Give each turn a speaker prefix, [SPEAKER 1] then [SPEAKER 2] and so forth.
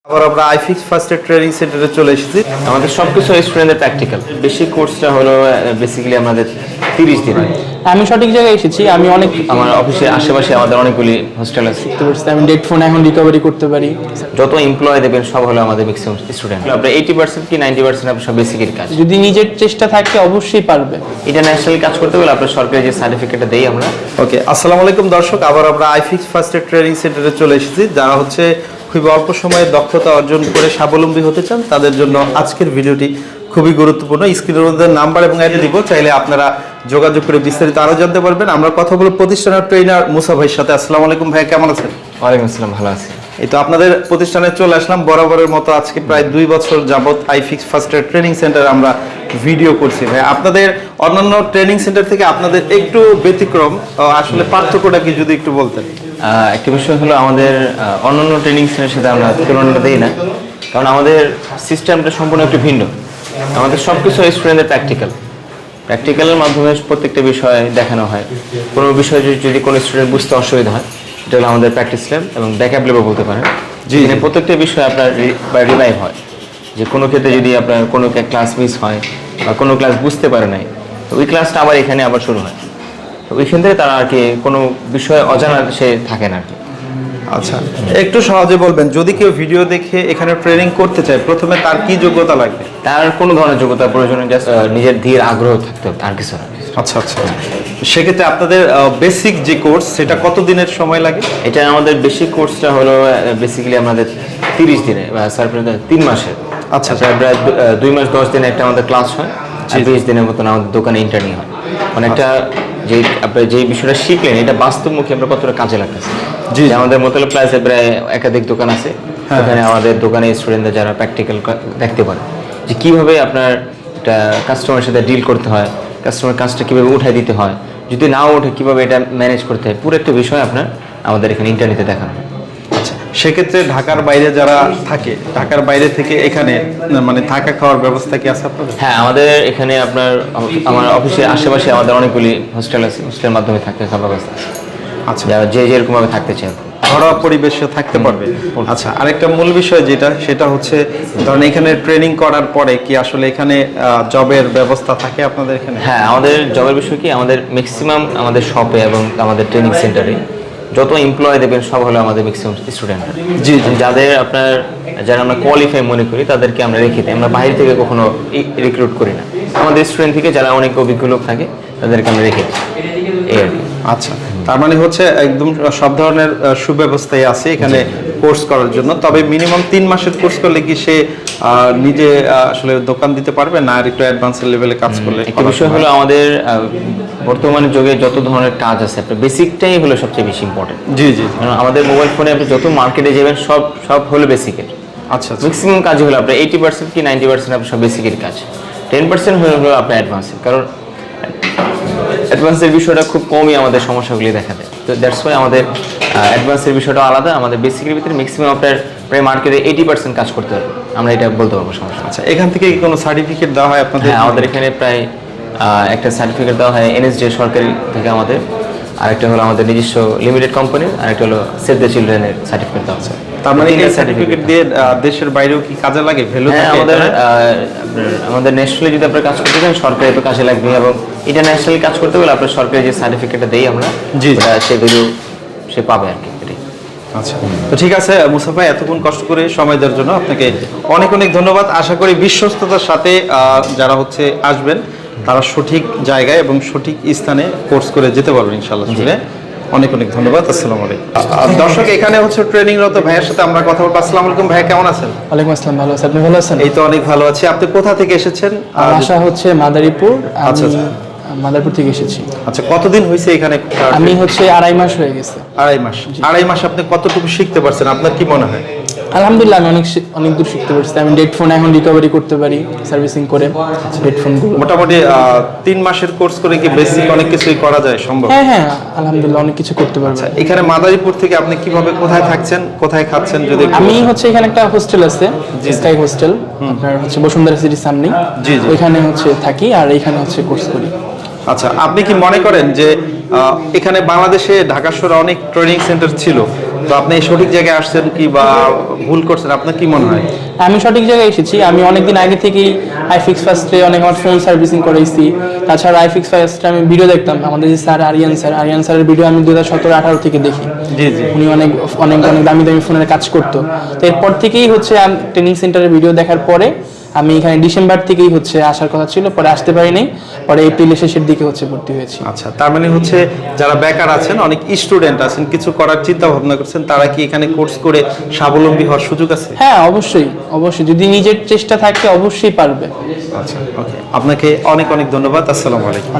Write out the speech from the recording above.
[SPEAKER 1] আবার আমরা আইফিক্স first aid training সেন্টারে চলে এসেছি।
[SPEAKER 2] আমাদের সবকিছু স্টুডেন্টদের প্র্যাকটিক্যাল। বেসিক কোর্সটা হলো বেসিক্যালি আমাদের 30 দিন।
[SPEAKER 3] আমি সঠিক জায়গায় এসেছি। আমি
[SPEAKER 2] আমার অফিসের আশেপাশে আমাদের অনেকগুলি হোস্টেল আছে।
[SPEAKER 3] আমি ডেট ফোন এখন রিকভারি করতে পারি।
[SPEAKER 2] যত এমপ্লয় দেবেন সব হলো আমাদের ম্যাক্সিমাম স্টুডেন্ট। আপনার 80% কি 90% আপনার সব বেসিকের কাজ।
[SPEAKER 3] যদি নিজের চেষ্টা থাকে অবশ্যই পারবে।
[SPEAKER 2] ইন্টারন্যাশনাল কাজ করতে হলে আপনার সরকারি যে সার্টিফিকেটটা দেই আমরা।
[SPEAKER 1] ওকে, আসসালামু আলাইকুম দর্শক, আবার আমরা আইফিক্স ফার্স্ট এড ট্রেনিং সেন্টারে চলে এসেছি। যারা হচ্ছে খুব অল্প সময়ে দক্ষতা অর্জন করে স্বাবলম্বী হতে চান তাদের জন্য আজকের ভিডিওটি খুবই গুরুত্বপূর্ণ। স্ক্রিনের মধ্যে নাম্বার এবং অ্যাড দিব, চাইলে আপনারা যোগাযোগ করে বিস্তারিত আরো জানতে পারবেন। আমরা কথা বলবো প্রতিষ্ঠানের ট্রেনার মুসা ভাইয়ের সাথে। আসসালামু আলাইকুম ভাই, কেমন আছেন?
[SPEAKER 2] ওয়ালাইকুম আসসালাম, ভালো আছি।
[SPEAKER 1] এই তো আপনাদের প্রতিষ্ঠানে চলে আসলাম বরাবরের মতো। আজকে প্রায় 2 বছর যাবত iFix first aid training centre আমরা ভিডিও করছি। ভাই, আপনাদের অন্যান্য ট্রেনিং সেন্টার থেকে আপনাদের একটু ব্যতিক্রম, আসলে পার্থক্যটা কি যদি একটু বলতেন?
[SPEAKER 2] একটা বিষয় হলো আমাদের অন্যান্য ট্রেনিং সেন্টারের সাথে আমরা তুলনা দিই না, কারণ আমাদের সিস্টেমটা সম্পূর্ণ একটু ভিন্ন। আমাদের সবকিছু স্টুডেন্টদের প্র্যাকটিক্যালের মাধ্যমে প্রত্যেকটা বিষয় দেখানো হয়। কোনো বিষয় যদি কোনো স্টুডেন্ট বুঝতে অসুবিধা হয়, এটা হলো আমাদের প্র্যাকটিস ল্যাব এবং ব্যাকআপ ল্যাবও বলতে পারেন। যেখানে প্রত্যেকটা বিষয় আপনার রিভাইভ হয়। যে কোনো ক্ষেত্রে যদি আপনার কোনো ক্লাস মিস হয় বা কোনো ক্লাস বুঝতে পারে নাই, তো ওই ক্লাসটা আবার এখানে আবার শুরু হয়। তো ওইখান থেকে তারা আর কি কোনো বিষয় অজানা সে থাকে না আর কি।
[SPEAKER 1] আচ্ছা, একটু সহজে বলবেন, যদি কেউ ভিডিও দেখে এখানে ট্রেনিং করতে চায়, প্রথমে তার কি যোগ্যতা লাগবে?
[SPEAKER 2] তার কোনো ধরনের যোগ্যতা প্রয়োজন নেই, জাস্ট নিজের ধীর আগ্রহ থাকতে হবে, আর কিছু না।
[SPEAKER 1] আচ্ছা আচ্ছা, সেক্ষেত্রে আপনাদের বেসিক যে কোর্স সেটা কত দিনের সময় লাগে?
[SPEAKER 2] এটা আমাদের বেসিক কোর্সটা হলো বেসিক্যালি আমাদের 30 দিনে বা স্যার 3 মাসের।
[SPEAKER 1] আচ্ছা,
[SPEAKER 2] প্রায় 2 মাস 10 দিনে একটা আমাদের ক্লাস হয়, আর 20 দিনের মতন আমাদের দোকানে ইন্টার্নি হয়। মানে একটা যে আপনি যে বিষয়টা শিখলেন এটা বাস্তবমুখী আমরা কতটা কাজে লাগতেছে।
[SPEAKER 1] জি,
[SPEAKER 2] আমাদের মতলব প্লাসে প্রায় একাধিক দোকান আছে, ওখানে আমাদের দোকানে স্টুডেন্টরা যারা প্র্যাকটিক্যাল দেখতে পারে যে কীভাবে আপনার একটা কাস্টমারের সাথে ডিল করতে হয়, কাস্টমার কাজটা কীভাবে উঠাই দিতে হয়, যদি নাও ওঠে কীভাবে এটা ম্যানেজ করতে হয়, পুরো একটা বিষয় আপনার আমাদের এখানে ইন্টারনেটে দেখানো হয়।
[SPEAKER 1] আচ্ছা, সেক্ষেত্রে ঢাকার বাইরে যারা থাকে, ঢাকার বাইরে থেকে এখানে মানে থাকা খাওয়ার ব্যবস্থা কি আছে আপনাদের?
[SPEAKER 2] হ্যাঁ, আমাদের এখানে আপনার আমার অফিসের আশেপাশে আমাদের অনেকগুলি হোস্টেল আছে, হোস্টেলের মাধ্যমে থাকতে খাওয়ার ব্যবস্থা আছে।
[SPEAKER 1] আচ্ছা,
[SPEAKER 2] যারা যে যেরকমভাবে থাকতে চায়
[SPEAKER 1] ঘরোয়া পরিবেশে থাকতে পারবে। আচ্ছা, আরেকটা মূল বিষয় সেটা হচ্ছে, ধরেন এখানে ট্রেনিং করার পরে কি আসলে এখানে জবের ব্যবস্থা থাকে আপনাদের এখানে?
[SPEAKER 2] হ্যাঁ, আমাদের জবের বিষয় কি, আমাদের ম্যাক্সিমাম আমাদের শপে এবং আমাদের ট্রেনিং সেন্টারে যত এমপ্লয় দেবেন সব হলো আমাদের ম্যাক্সিমাম স্টুডেন্ট।
[SPEAKER 1] জি,
[SPEAKER 2] যারা আমরা কোয়ালিফাই মনে করি তাদেরকে আমরা রেখে দিই। আমরা বাইরে থেকে কখনো রিক্রুট করি না, আমাদের স্টুডেন্ট থেকে যারা অনেক অভিজ্ঞ লোক থাকে তাদেরকে আমরা রেখে দিই, এই আর কি।
[SPEAKER 1] আচ্ছা, তার মানে হচ্ছে একদম সব ধরনের সুব্যবস্থাই আছে এখানে কোর্স করার জন্য। তবে মিনিমাম 3 মাসের কোর্স করলে কি সে নিজে আসলে দোকান দিতে পারবে, না আর একটু অ্যাডভান্সের লেভেলে কাজ করলে?
[SPEAKER 2] একটা বিষয় হলো আমাদের বর্তমানে যুগে যত ধরনের কাজ আছে, আপনার বেসিকটাই হলো সবচেয়ে বেশি ইম্পর্টেন্ট।
[SPEAKER 1] জি জি,
[SPEAKER 2] কারণ আমাদের মোবাইল ফোনে আপনি যত মার্কেটে যাবেন সব হলো বেসিকের।
[SPEAKER 1] আচ্ছা,
[SPEAKER 2] ম্যাক্সিমাম কাজ হলো আপনার 80% কি 90% আপনার সব বেসিকের কাজ, 10% হলো আপনার অ্যাডভান্সের। কারণ অ্যাডভান্সের বিষয়টা খুব কমই আমাদের সমস্যাগুলি দেখা দেয়। তো দ্যাটস ওয়াই আমাদের অ্যাডভান্সের বিষয়টা আলাদা। আমাদের বেসিকের ভিতরে ম্যাক্সিমাম আপনার প্রায় মার্কেটে 80% কাজ করতে হবে, আমরা এটা বলতে পারবো সমস্যা।
[SPEAKER 1] আচ্ছা, এখান থেকে কি কোনো সার্টিফিকেট দেওয়া হয় আপনাদের?
[SPEAKER 2] হ্যাঁ, আমাদের এখানে প্রায় একটা সার্টিফিকেট দেওয়া হয় এনএসডি সরকারি থেকে আমাদের, আরেকটা হলো আমাদের নিজস্ব লিমিটেড কোম্পানির, আরেকটা হলো সেভ দ্য চিলড্রেনের সার্টিফিকেট দেওয়া আছে।
[SPEAKER 1] তার মানে এই সার্টিফিকেট দিয়ে দেশের বাইরেও কি কাজে লাগে? ভ্যালু
[SPEAKER 2] হ্যাঁ,
[SPEAKER 1] থাকে?
[SPEAKER 2] আমাদের ন্যাশনালি যদি আপনার কাজ করতে চান সরকারি তো কাজে লাগবে, এবং ইন্টারন্যাশনালি কাজ করতে গেলে আপনার সরকারি যে সার্টিফিকেটটা দেই আমরা, সে ভ্যালু সে পাবে আর কি।
[SPEAKER 1] আচ্ছা, তো ঠিক আছে মুসা ভাই, এতক্ষণ কষ্ট করে সময় দেওয়ার জন্য আপনাকে অনেক অনেক ধন্যবাদ। আশা করি বিশ্বস্ততার সাথে যারা হচ্ছে আসবেন তারা সঠিক জায়গায় এবং সঠিক স্থানে কোর্স করে যেতে পারবেন ইনশাআল্লাহ। অনেক অনেক ধন্যবাদ। আসসালামু আলাইকুম। দর্শক, এখানে হচ্ছে ট্রেনিংরত ভাইয়ের সাথে আমরা কথা বলবো। আসসালামু আলাইকুম ভাই, কেমন আছেন?
[SPEAKER 3] ওয়ালাইকুম আসসালাম, ভালো আছি। আপনি ভালো আছেন?
[SPEAKER 1] এই তো অনেক ভালো আছি। আপনি কোথা থেকে এসেছেন?
[SPEAKER 3] বাসা হচ্ছে মাদারীপুর।
[SPEAKER 1] আচ্ছা,
[SPEAKER 3] মাদারীপুর থেকে এসেছি।
[SPEAKER 1] আচ্ছা, কতদিন হয়েছে এখানে?
[SPEAKER 3] আমি হচ্ছে 2.5 মাস হয়ে গেছে।
[SPEAKER 1] 2.5 মাস। 2.5 মাস আপনি কতটুকু শিখতে পারছেন, আপনার কি মনে হয়?
[SPEAKER 3] আলহামদুলিল্লাহ, আমি অনেক দূর শিখতে পারছি। আমি ডেট ফোন এখন রিকভারি করতে পারি, সার্ভিসিং করে হেডফোনগুলো।
[SPEAKER 1] মোটামুটি 3 মাসের কোর্স করে কি বেসিক অনেক কিছুই করা যায় সম্ভব?
[SPEAKER 3] হ্যাঁ, আলহামদুলিল্লাহ অনেক কিছু করতে পারছি।
[SPEAKER 1] এখানে মাদারীপুর থেকে আপনি কিভাবে কোথায় থাকছেন, কোথায় খাচ্ছেন যদি?
[SPEAKER 3] আমি হচ্ছে এখানে একটা হোস্টেল আছে, স্কাই হোস্টেল, আপনার হচ্ছে বসুন্ধরা সিটির সামনে।
[SPEAKER 1] জি জি,
[SPEAKER 3] ওইখানে হচ্ছে থাকি আর এখানে হচ্ছে কোর্স করি।
[SPEAKER 1] আচ্ছা, আপনি কি মনে করেন যে এখানে বাংলাদেশে ঢাকা শহরে অনেক ট্রেনিং সেন্টার ছিল, তো আপনি এই সঠিক জায়গায় আসছেন কি বা ভুল করছেন, আপনার কি মনে হয়?
[SPEAKER 3] আমি সঠিক জায়গায় এসেছি। আমি অনেকদিন আগে থেকেই আইফিক্স ফার্স্টে অনেক আমার ফোন সার্ভিসিং করেছি। তাছাড়া আইফিক্স ফার্স্টে আমি ভিডিও দেখতাম, আমাদের যে স্যার আরিয়ান স্যারের ভিডিও আমি 2017-18 থেকে দেখি।
[SPEAKER 1] জি জি।
[SPEAKER 3] উনি অনেক অনেক অনেক দামি দামি ফোনের কাজ করতো। তো এরপর থেকেই হচ্ছে ট্রেনিং সেন্টারের ভিডিও দেখার পরে আমি এখানে ডিসেম্বর থেকেই হচ্ছে আসার কথা ছিল, পরে আসতে পারিনি, পরে এপ্রিলের শেষের দিকে হচ্ছে ভর্তি হয়েছি।
[SPEAKER 1] আচ্ছা, তার মানে হচ্ছে যারা বেকার আছেন, অনেক স্টুডেন্ট আছেন, কিছু করার চিন্তা ভাবনা করছেন, তারা কি এখানে কোর্স করে স্বাবলম্বী হওয়ার সুযোগ আছে?
[SPEAKER 3] হ্যাঁ, অবশ্যই অবশ্যই, যদি নিজের চেষ্টা থাকে অবশ্যই পারবে।
[SPEAKER 1] আচ্ছা, ওকে, আপনাকে অনেক অনেক ধন্যবাদ। আসসালামু আলাইকুম।